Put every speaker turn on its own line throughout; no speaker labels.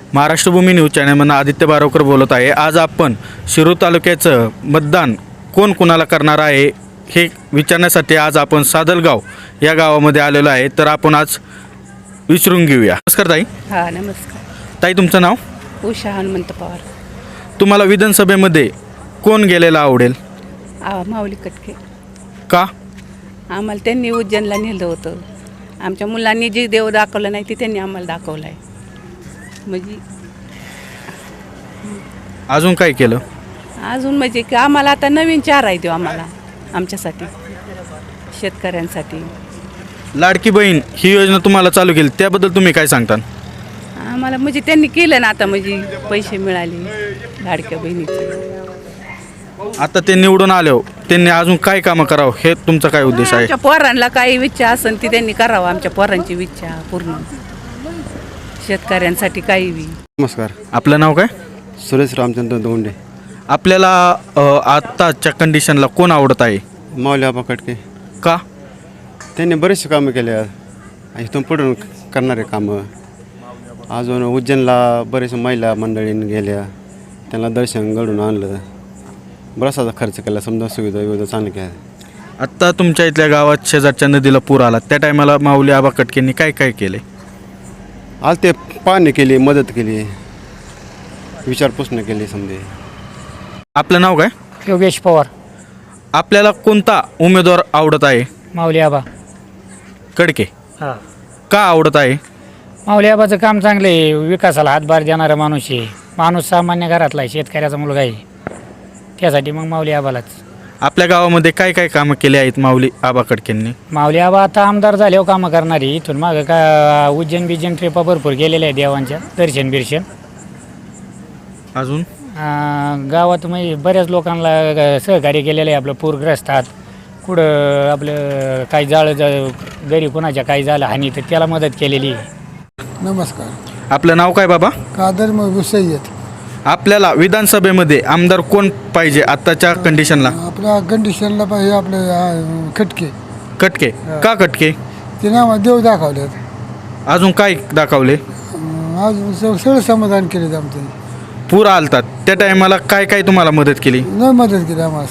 Maharashtra Bhumi news चॅनलमधून आदित्य बारोकर बोलत आहे। आज आपण शिरूर तालुक्याचं मतदान कोण कुणाला करणार आहे हे विचारण्यासाठी आज आपण सादलगाव या गावामध्ये आलेलो आहे। तर आपण आज विचारून घेऊया। नमस्कार ताई।
हां नमस्कार
ताई, तुमचं नाव?
उषा हनुमंत पवार।
तुम्हाला विधानसभेमध्ये कोण गेलेला आवडेल?
माऊली कटके।
का?
आम्हाला त्यांनी उज्जैनला नेलं होतं। आमच्या मुलांनी जे देव दाखवलं नाही ते त्यांनी आम्हाला दाखवलं आहे। म्हणजे
अजून काय केलं?
अजून म्हणजे की आम्हाला आता नवीन चार आहे देव आम्हाला, आमच्यासाठी, शेतकऱ्यांसाठी।
लाडकी बहीण ही योजना तुम्हाला चालू केली त्याबद्दल तुम्ही काय सांगता?
आम्हाला म्हणजे त्यांनी केलं ना, आता म्हणजे पैसे मिळाले लाडक्या बहिणीचे।
आता ते निवडून आले हो, त्यांनी अजून काय कामं करावं हे तुमचा काय उद्देश आहे?
आमच्या पोरांना काही इच्छा असेल ती त्यांनी करावं, आमच्या पोरांची इच्छा पूर्ण, शेतकऱ्यांसाठी काही बी।
नमस्कार,
आपलं नाव काय?
सुरेश रामचंद्र दोंडे।
आपल्याला आत्ताच्या कंडिशनला कोण आवडत आहे?
माऊली आबा कटके।
का?
त्यांनी बरेचसे कामं केले इथून पुढून करणारे कामं। अजून उज्जैनला बरेचसे महिला मंडळींनी गेल्या, त्यांना दर्शन घडून आणलं, बराचसा खर्च केला, समजा सुविधा विविधा चांगल्या केल्या।
आत्ता तुमच्या इथल्या गावात शेजारच्या नदीला पूर आला, त्या टायमाला माऊली आबा कटकेंनी काय काय केले?
आज ते पाहणी केली, मदत केली, विचारपूस केली समजे।
आपलं नाव काय?
योगेश पवार।
आपल्याला कोणता उमेदवार आवडत आहे?
माऊली आबा
कडके।
हां,
का आवडत आहे?
माऊली आबाचं काम चांगलं आहे, विकासाला हातभार देणारा माणूस आहे, माणूस सामान्य घरातला आहे, शेतकऱ्याचा मुलगा आहे, त्यासाठी मग माऊली आबालाच।
आपल्या गावामध्ये काय काय कामं केली आहेत माऊली आबा कटकेंनी?
माऊली आबा आता आमदार झाल्यावर कामं करणारी, इथून मागं का उज्जैन बिज्जैन ट्रिपा भरपूर गेलेल्या आहे देवांच्या, दर्शन बिर्शन।
अजून
गावात म्हणजे बऱ्याच लोकांना सहकार्य केलेलं आहे, आपलं पूरग्रस्तात कुठं आपलं काही घरी कोणाच्या काही झालं हानी तर त्याला मदत केलेली आहे।
नमस्कार,
आपलं नाव काय बाबा?
कादर सय्यद।
आपल्याला विधानसभेमध्ये आमदार कोण पाहिजे आत्ताच्या कंडिशनला?
आपल्या कंडिशनला पाहिजे आपले खटके।
कटके। का कटके?
ते नाव देव दाखवलेत।
अजून काय दाखवले?
आज सगळं समाधान केले आमचं।
पूर आलतात त्या टायमाला काय काय तुम्हाला मदत केली?
न मदत केली आम्हाला,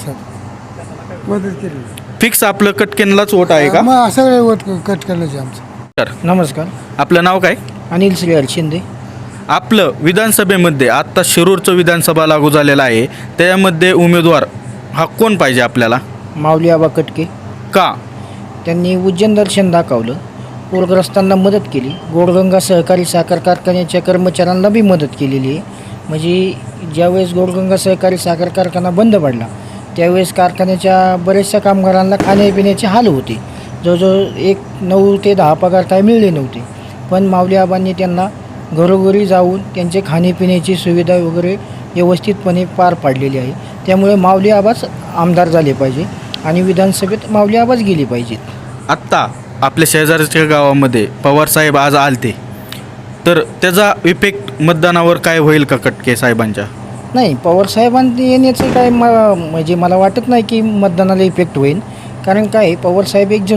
सर मदत केली।
फिक्स आपलं कटकेनलाच वोट आहे का?
मग सगळे वोट कट करायचे आमचं।
तर
नमस्कार,
आपलं नाव काय?
अनिल श्रीहरी शिंदे।
आपलं विधानसभेमध्ये आत्ता शिरूरचं विधानसभा लागू झालेला आहे, त्यामध्ये उमेदवार हा कोण पाहिजे आपल्याला?
माऊली आबा कटके।
का?
त्यांनी उज्जैन दर्शन दाखवलं, पूरग्रस्तांना मदत केली, गोडगंगा सहकारी साखर कारखान्याच्या कर्मचाऱ्यांना बी मदत केलेली आहे। म्हणजे ज्यावेळेस गोडगंगा सहकारी साखर कारखाना बंद पडला त्यावेळेस कारखान्याच्या बऱ्याचशा कामगारांना खाण्यापिण्याचे हाल होते, जवळजवळ 9 ते 10 पगार काय मिळले नव्हते, पण माऊली आबांनी त्यांना घरोघरी जाऊन त्यांचे खाण्यापिण्याची सुविधा वगैरे व्यवस्थितपणे पार पाडलेली आहे। त्यामुळे माऊली आबाच आमदार झाले पाहिजे आणि विधानसभेत माऊली आबाच गेली पाहिजेत।
आत्ता आपल्या शेजारच्या गावामध्ये पवारसाहेब आज आलते, तर त्याचा इफेक्ट मतदानावर काय होईल का कटके साहेबांच्या?
नाही, पवारसाहेबांनी येण्याचं काय म्हणजे मला वाटत नाही की मतदानाला इफेक्ट होईल, कारण काय पवारसाहेब एक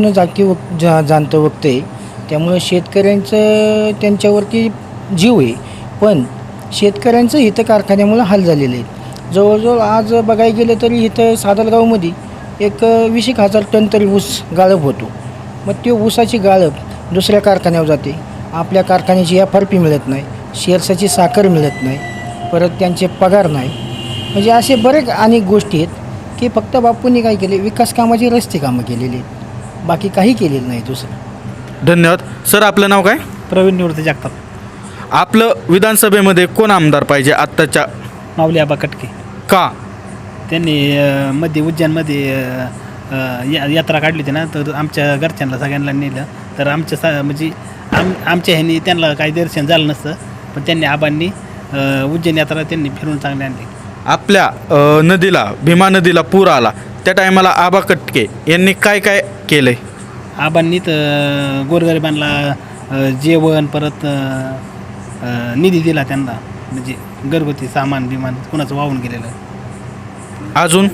जाणतं वक्त आहे, त्यामुळे शेतकऱ्यांचं त्यांच्यावरती जीव आहे, पण शेतकऱ्यांचं इथं कारखान्यामुळं हाल झालेलं आहे। जवळजवळ आज बघायला गेलं तरी इथं सादलगावमध्ये एक 20,000 टन तरी ऊस गाळप होतो, मग ते ऊसाची गाळप दुसऱ्या कारखान्यावर जाते, आपल्या कारखान्याची FRP मिळत नाही, शेरसाची साखर मिळत नाही, परत त्यांचे पगार नाही, म्हणजे असे बरेच अनेक गोष्टी आहेत की फक्त बापूंनी काय केले, विकास कामाची रस्ते कामं केलेली आहेत, बाकी काही केलेलं नाही दुसरं।
धन्यवाद सर। आपलं नाव काय?
प्रवीण निवृत्ती जगताप।
आपलं विधानसभेमध्ये कोण आमदार पाहिजे आत्ताच्या?
माऊली आबा कटके।
का?
त्यांनी मध्ये उज्जैनमध्ये यात्रा काढली होती ना, तर आमच्या घरच्यांना सगळ्यांना नेलं, तर म्हणजे आमच्या ह्यांनी त्यांना काही दर्शन झालं नसतं, पण त्यांनी आबांनी उज्जैन यात्रा त्यांनी फिरून चांगली आणली।
आपल्या नदीला, भीमा नदीला पूर आला त्या टायमाला आबा कटके यांनी काय काय केलंय?
आबांनी तर गोरगरिबांना जेवण, परत निधी दिला त्यांना, म्हणजे घरगुती सामान बिमान कुणाचं वाहून गेलेलं।
अजून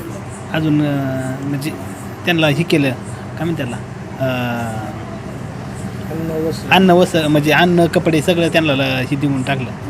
म्हणजे त्यांना हे केलं, काय म्हणते त्याला, अन्न म्हणजे अन्न कपडे सगळं त्यांना हे देऊन टाकलं।